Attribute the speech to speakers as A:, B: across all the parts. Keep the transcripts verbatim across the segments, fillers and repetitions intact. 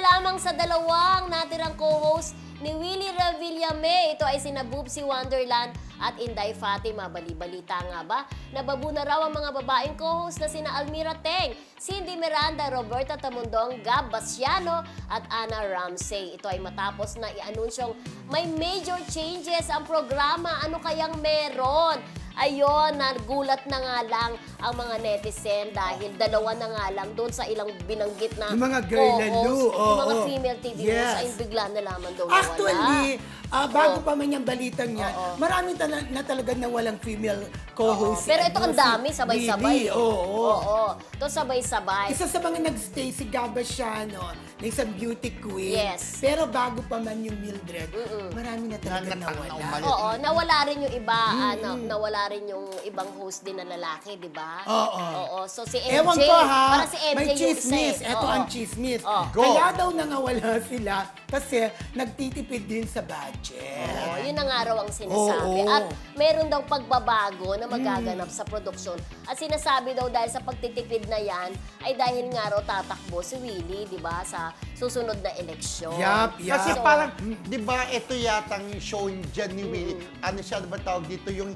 A: lamang sa dalawang natirang co-host ni Willie Revillame. Ito ay sina Boobsy Wonderland at Inday Fatima. Bali-balita nga ba? Nababu na raw ang mga babaeng co-host na sina Almira Teng, Cindy Miranda, Roberta Tamundong, Gab Basiano at Ana Ramsey. Ito ay matapos na i-anunsyong may major changes ang programa. Ano kayang meron? Ayun, nagulat na nga lang ang mga netizen dahil dalawa na nga lang doon sa ilang binanggit na
B: Yung mga girl lalo,
A: co-host,
B: oo.
A: yung mga female T V hosts
B: Yes.
A: ay bigla na lamang daw nawala.
B: Actually, ah, bago
A: Oo.
B: pa man yung balitang yan,
A: Oo.
B: marami tala- na talaga na walang female co-host.
A: Pero
B: si
A: ito
B: ano,
A: ang
B: si
A: dami, sabay-sabay.
B: Bibi, Oo.
A: Oo. Ito sabay-sabay.
B: Isa sa mga nagstay si Gab Basiano na isang beauty queen.
A: Yes.
B: Pero bago pa man yung Mildred,
A: Mm-mm.
B: marami na talaga
C: Na- na-
B: nawala.
C: umalis.
A: Oo, nawala rin yung iba, ano, nawala rin yung ibang host din na lalaki, di ba?
B: Oo.
A: Oo. So si M J,
B: Ewan ko ha,
A: para si M J
B: may
A: yung isa
B: chismis.
A: eh.
B: Ito
A: Oo.
B: ang chismis.
A: Oo.
C: Go.
B: Kaya daw nangawala sila kasi nagtitipid din sa budget.
A: Oo, yun na nga raw ang sinasabi.
B: Oo.
A: At meron daw pagbabago na magaganap sa produksyon. At sinasabi daw dahil sa pagtitipid na yan, ay dahil nga raw tatakbo si Willie, di ba, sa susunod na eleksyon.
B: Yup, yup.
C: Kasi
A: So,
C: parang, di ba, ito yatang show dyan ni Willie. Ano siya, ba tawag dito, yung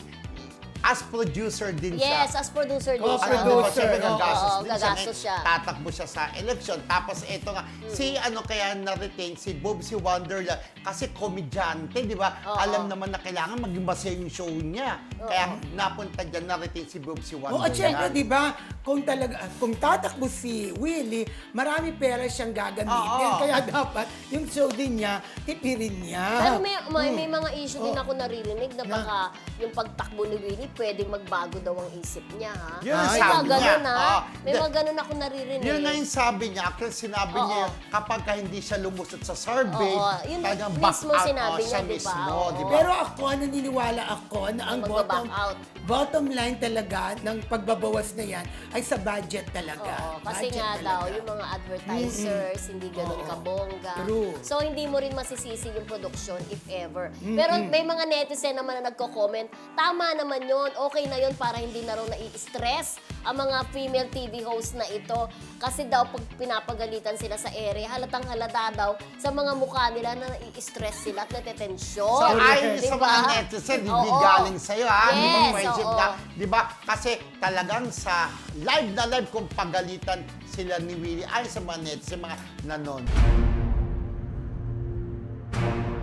C: as producer din siya.
A: Yes, as producer din
B: Oh,
A: siya.
C: Ano, di ba,
B: producer,
C: siyempre
B: oo.
C: gagastos
A: Oo,
C: din siya.
A: gagastos
C: Eh,
A: siya.
C: Tatakbo siya sa election. Tapos ito nga, si ano kaya na-retain, si Boobsy Wonderland, kasi komedyante, di ba?
A: Oo.
C: Alam naman na kailangan maging masaya yung show niya. Kaya napunta dyan, na-retain si Boobsy
B: Oo,
C: Wonderland.
B: at syempre, di ba, kung talaga, kung tatakbo si Willie, marami pera siyang gagamitin.
C: Oo.
B: Kaya dapat, yung show din niya, tipirin niya.
A: Pero may, may, may mga issue din
B: Oh.
A: ako naririnig na
B: Na?
A: baka yung pagtakbo ni Willie pwedeng magbago daw ang isip niya, ha?
C: Yun ang
A: May
C: sabi
A: mga ganun,
C: niya.
A: ha?
C: Oh.
A: May
C: The-
A: mga ganun ako naririnig.
C: Yun nga yung sabi niya. Actually, sinabi
A: Oo.
C: niya, kapag ka hindi siya lumusot sa survey,
A: Oo. Yun
C: talagang
A: mismo
C: back out
A: sinabi
C: oh,
A: niya,
C: siya
A: di ba?
C: mismo,
A: Oo.
C: di ba?
B: Pero ako, naniniwala ako na ang
A: Magbaback
B: bottom,
A: out.
B: bottom line talaga ng pagbabawas na yan ay sa budget talaga.
A: Oo, kasi
B: Budget
A: nga
B: talaga.
A: daw, yung mga advertisers, hindi ganun
B: Oo.
A: kabongga.
B: True.
A: So, hindi mo rin masisisi yung production if ever. Pero may mga netizen naman na nagko-comment, tama naman yun, okay na yun para hindi na raw nai-stress ang mga female T V host na ito. Kasi daw, pag pinapagalitan sila sa ere, halatang halata daw sa mga mukha nila na nai-stress sila at natetensyon.
C: So, ayon sa
A: Diba?
C: mga netizen, hindi
A: Oo.
C: galing sa'yo, ha? Di ba,
A: Yes,
C: friendship
A: oo.
C: na? Di ba? Kasi talagang sa live na live kung pagalitan sila ni Willie, ayon sa mga netizen, mga nanon.